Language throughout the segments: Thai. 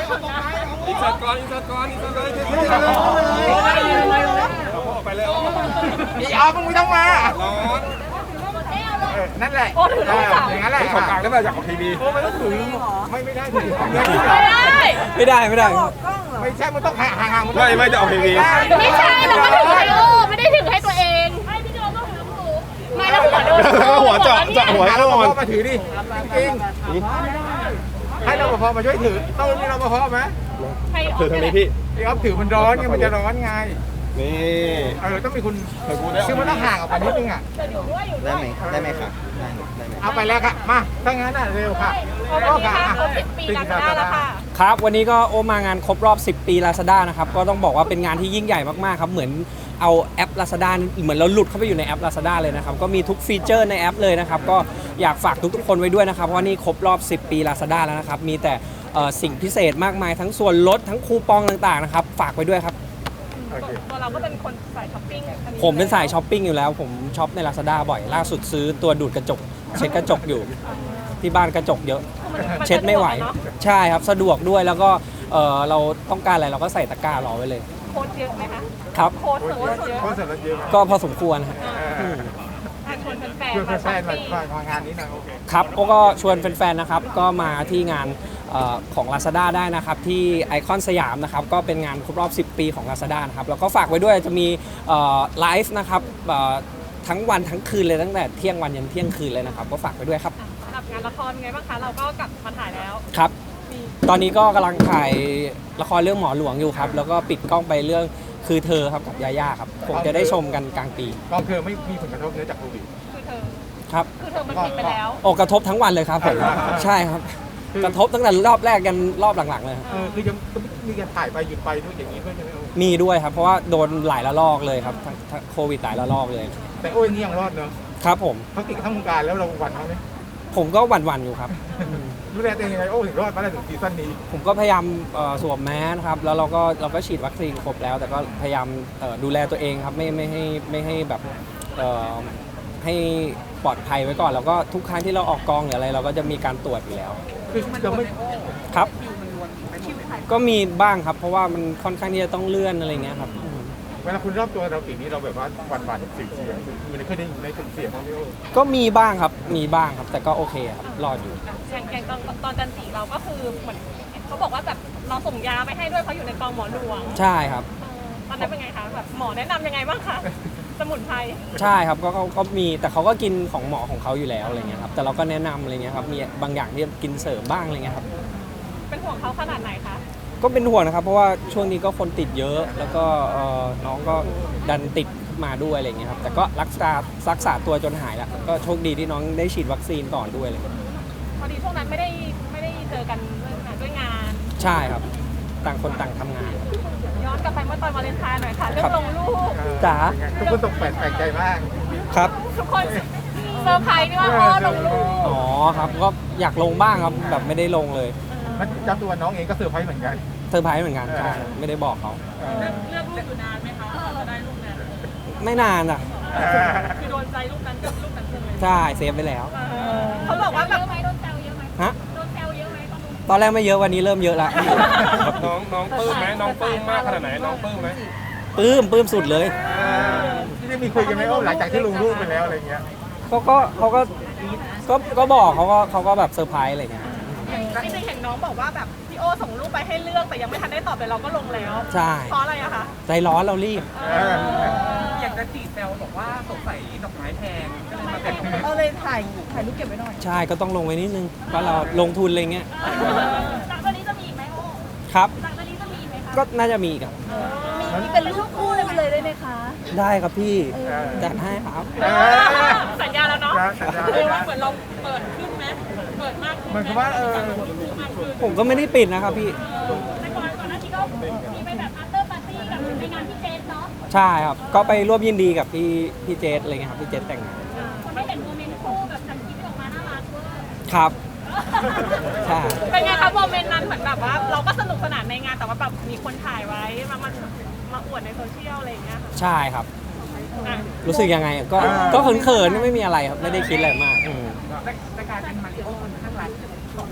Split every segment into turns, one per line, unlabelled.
อินเสิร์ตก่อนอินเสิร์ตก่อนอินเสิร์ตเลยไปเลย
อีออฟมึงไม่ต้องมา
ร้อน
นั่นแหละอย่างนั้นแหละ
ของกลางได้ป่ะจากของทีวีไม่ต้องถือ
ไม่ได้ถือ
ไม่ได้
ไม่ใช่มันต้องห่าง
ไม่จะออกทีวี
ไม่ใช่เราก็ถือให้ไม่ได้ถือให้ตัวเองให้พี่โจต้องถือหูไม่แล้วหัวโดน
หัวเจาะหัว
เรา
โดน
มาถือดิจริงให้เราพอมาช่วยถือต้องมีเราพอไหม
ถือทางนี้พี่
ไอ้ออฟถือมันร้อนไงมันจะร้อนไง
นี่
ต้องมีคุณคือมันต้องห่างออกไปนิดนึงอ่ะ
ได้ไหมครับ
เอาไปแล้วค่ะมาถ้างั้นเร็วค่ะ
ก็ค่ะ10 ปีแล้วค่ะ
ครับวันนี้ก็โอมางานครบรอบ10 ปี Lazada นะครับก็ต้องบอกว่าเป็นงานที่ยิ่งใหญ่มากๆครับเหมือนเอาแอป Lazada เหมือนเราหลุดเข้าไปอยู่ในแอป Lazada เลยนะครับก็มีทุกฟีเจอร์ในแอปเลยนะครับก็อยากฝากทุกๆคนไว้ด้วยนะครับเพราะนี่ครบรอบ10 ปี Lazada แล้วนะครับมีแต่สิ่งพิเศษมากมายทั้งส่วนลดทั้งคูปองต่างๆนะครับฝากไว้ด้วยครับ
ตัวเราก็เป็นคนสายช้อปปิ้ง
ผมเป็นสายช้อปปิ้งอยู่แล้วผมช็อปใน Lazada บ่อยล่าสุดซื้อตัวดูดกระจกเช็ดกระจกอยู่ที่บ้านกระจกเยอะเช็ดไม่ไหวใช่ครับสะดวกด้วยแล้วก็เราต้องการอะไรเราก็ใส่ตะกร้ารอไว้เลย
โค้ดเยอะไหมคะ
ครับ
โค้ดเยอะ
ก็พอสมควรครับ
ชวนแฟน
มางานนี้นะโอเค
ครับก็ชวนแฟนๆนะครับก็มาที่งานของ Lazada ได้นะครับที่ไอคอนสยามนะครับก็เป็นงานครบรอบ10 ปีของ Lazada นะครับแล้วก็ฝากไว้ด้วยจะมีไลฟ์นะครับทั้งวันทั้งคืนเลยตั้งแต่เที่ยงวันยันเที่ยงคืนเลยนะครับก็ฝากไว้ด้วยครับ
สำหรับงานละครไงบ้างคะเราก็กลับมาถ่ายแล้ว
ครับตอนนี้ก็กำลังถ่ายละครเรื่องหมอหลวงอยู่ครับแล้วก็ปิดกล้องไปเรื่องคือเธอครับกับยาย่าครับผมจะได้ชมกันกลางปี
ก็คือไม่มีผลกระทบเนื่องจากโควิด
คือเธอ
ครับ
คือเธอมันปิดไปแล้ว
กระทบทั้งวันเลยครับผมใช่ครับกระทบตั้งแต่รอบแรกกันรอบหลังๆเลย
คือยังมีการถ่ายไปหยุดไปด้วยอย่างนี้ด้วยใช่ไหม
มีด้วยครับเพราะว่าโดนหลายระลอกเลยครับทั้งโควิดหลายระลอกเลย
แต่โอ้ยนี่ยังรอดเนอะ
ครับผม
เขาติดทั้งวงการแล้วเราหวั่นเขาไหม
ผมก็หวั่นอยู่ครับ
ดูแลตัวเองยังไงโอ้ถึงรอดมาได้ถึงซีซั่นนี้
ผมก็พยายามสวมแมสครับแล้วเราก็ฉีดวัคซีนครบแล้วแต่ก็พยายามดูแลตัวเองครับไม่ให้แบบให้ปลอดภัยไว้ก่อนแล้วก็ทุกครั้งที่เราออกกองหรืออะไรเราก็จะมีการตรวจอยู่แล้ว
คือเราไม่
ครับก็มีบ้างครับเพราะว่ามันค่อนข้างที่จะต้องเลื่อนอะไรเงี้ยครับ
เวลาคุณรอบตัวเราปีนี้เราแบบว่าหวั่นเสียงมันเคยได้ในเสียงของพี่โอ้
ก็มีบ้างครับแต่ก็โอเคครับรอดอยู่
อย่างตอนจันทร์เราก็คือเหมือนเขาบอกว่าแบบเราส่งยาไปให้ด้วยเพราะอยู่ในกองหมอหลวง
ใช่ครับ
ตอนนั้นเป็นไงคะแบบหมอแนะนำยังไงบ้างคะสมุนไพร
ใช่ครับก็มีแต่เขาก็กินของหมอของเขาอยู่แล้วอะไรเงี้ยครับแต่เราก็แนะนำอะไรเงี้ยครับมีบางอย่างที่กินเสริมบ้างอะไรเงี้ยครับ
เป็นห่วงเขาขนาดไหนคะ
ก็เป็นห่วงนะครับเพราะว่าช่วงนี้ก็คนติดเยอะแล้วก็น้องก็ดันติดมาด้วยอะไรเงี้ยครับแต่ก็รักษาตัวจนหายแล้วก็โชคดีที่น้องได้ฉีดวัคซีนก่อนด้วยเลย
พอดีช่วงนั้นไม่ได้เจอกันด้วยงาน
ใช่ครับต่างคนต่างทำงาน
ย้อนกลับไปเมื่อตอนวาเลนไทน์หน่อยค่ะเรื่องลงรูป
จ๋า
ทุกคนตกแปลกใจมาก
ครับ
ทุกคนเซอร์ไพรส์นี่ว่าพ่อลงรูป
อ๋อครับก็อยากลงบ้างครับแบบไม่ได้ลงเลย
มันจำตัวน้องเองก็เซอร์ไพรส์เหมือนกัน
เซอร์ไพรส์เหมือนกันใช่ไม่ได้บอกเขา
เลือกรูปอยู่นานไหมคะจะได้รูปนั้น
ไม่นานอ่ะ
คือโดนใจรูปนั้นกับรูปนั้นเลย
ใช่เซฟไปแล้ว
เขาบอกว่าแบบโดนแซวเยอะไหม
ฮะ
โดนแซวเยอะไหม
ตอนแรกไม่เยอะวันนี้เริ่มเยอะแล้ว
น้องปื้มไหมน้องปื้มมากขนาดไหนน้องปื้มไหม
ปื้มสุดเลย
ที่ได้มีคุยกันไหมหลังจากที่ลงรูปไปแล้วอะไรเงี้ย
เขาก็บอกเขาก็แบบเซอร์ไพรส์อะไรเงี้ย
จริงๆเห็นน้องบอกว่าแบบพี่โอส่งรูปไปให้เลือกแต่ยังไม่ทันได้ตอบเลยเราก็ลงแล้ว
ใช่
เพราะอะไรอะคะ
ใจร้อนเรารีบ
อยากจะจีบแซวบอกว่าสงสัยดอกไม้แพงก็เลยมาแต่งเราเลยถ่ายรูปเก็บไว้หน่อย
ใช่ก็ต้องลงไว้นิดนึงเพราะเราลงทุนอะไรเงี้ย
หลังจากนี้จะมีไหมโอ
ครับ
หลังจากนี้จะมีไหมคะ
ก็น่าจะมีครับ
มีเป็นรูปคู่เลยได้ไหมคะ
ได้ครับพี่จัดให้ครับ
สัญญาแล้วเนาะเหมือนเราเปิดขึ้นไหมเปิดมาก
เหมือนกับว่า
ผมก็ไม่ได้ปิดนะครับพี่
แต่ก่อนหน้านี้ก็มีไปแบบ after party กับในงานพี่เจสเนาะ
ใช่ครับก็ไปร่วมยินดีกับพี่เจสอะไรเงี้ยครับพี่เจสแต่งงาน
คนได้เห็นโมเมนต์คู่แบบทำคลิปออกมาน่ารักเวอร์
ครับใช่
เป็นไงครับโมเมนต์นั้นเหมือนแบบว่าเราก็สนุกสนานในงานแต่ว่าแบบมีคนถ่ายไว้มาอวดในโซเชียลอะไรอย่างเงี้ย
ใช่ครับรู้สึกยังไงก็เขินๆไม่มีอะไรครับไม่ได้คิดอะไรมาก
แต่การเป็นมาริโอคนข้างหลัง2 ล้าน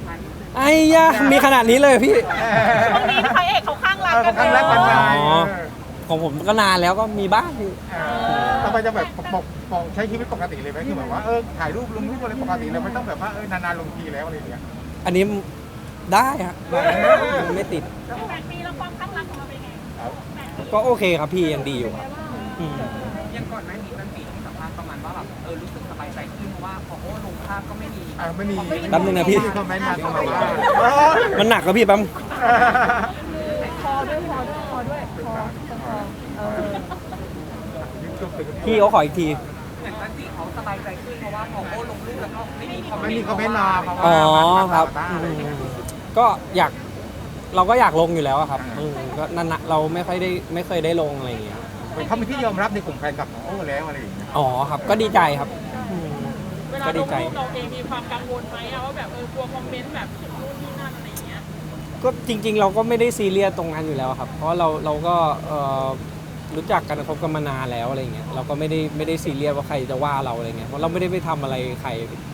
ไอ้ยะมีขนาดนี้เลยพี่
ช่วงนี้พระเอกเขาข้างรักกัน
ข้างรักกันไง
อ๋อ ของผมก็นานแล้วก็มีบ้างพี่
ทำไมจะแบบปกใช้ชีวิตปกติเลยไหมคือแบบว่าถ่ายรูปลงรูปอะไรปกติเลยไม่ต้องแบบว่านานๆลงทีแล้วอะไรอย่างเงี้ย
อันนี้ได้ครับไม่ติด
8 ปีแล้วความข้างรักของเราเป็นไง
ก็โอเคครับพี่ยังดีอยู่ครับอืม
ยังก่อนหน้านี้มันมีให้สัมภาษณ์ประมาณว่าแบบรู้สึกสบายใจขึ้นเพราะว่าพอโอ้ลงภาพก็ไม่มี
ไม่มี
แป๊บนึงนะพี่
คอมเมนต์มาเข้ามาว่า
มันหนักครับพี่แปั๊ม
คอด้วยคอ
พี่เขาขออีกที
เหมือนจันจิเขาสบายใจขึ้นเพราะว่าพอโอ้ลงรูปแล้วก็ไม่มีคอมเม
ไม่
นต์
มีคอมเมนต์มาเพราะว่า
อ๋อครับ
อะไรอย่างเงี้ย
ก็อยากเราก็อยากลงอยู่แล้วอะครับก็นั่นนะเราไม่เคยได้ลงอะไรอย่างเงี้ย
เขาเป็นที่ยอมรับในกลุ่มแฟนคลับของโอ้แล้วอะไรอย่างเงี้ย
อ๋อครับก็ดีใจครับอืม
เวลา
ก็
ล
ดี
ง
ใจ
รูปเราเองมีความกังวลไหมว่าแบบกลัวคอมเมนต์แบบนู่นนี่นั่นอะไรอย่างเงี้ย
ก็จริง ๆ เราก็ไม่ได้ซีเรียสตรงนั้นอยู่แล้วครับ เพราะเราก็รู้จักกันคบกันมานานแล้วอะไรเงี้ยเราก็ไม่ได้ซีเรียสว่าใครจะว่าเราอะไรเงี้ยเพราะเราไม่ได้ไปทำอะไรใคร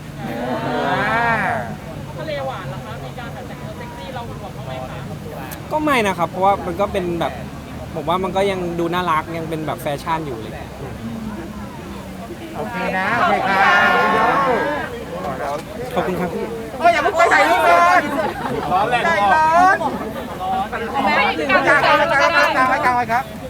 ทะเลหวานเหรอคะมีการแบบแต่งตัวเซ็กซี่เราหวงบ้างไหมคะ
ก็ไม่นะครับ เพราะว่ามันก็เป็นแบบผมว่ามันก็ยังดูน่ารักยังเป็นแบบแฟชั่นอยู่เลย
โอเคนะโอเคครับ
ขอบคุณครับพี่
อย่าเพิ่งไปถ่ายรูปเลยร้อนแรงใจร้อน
ไม่กาง
กางไว้ครับ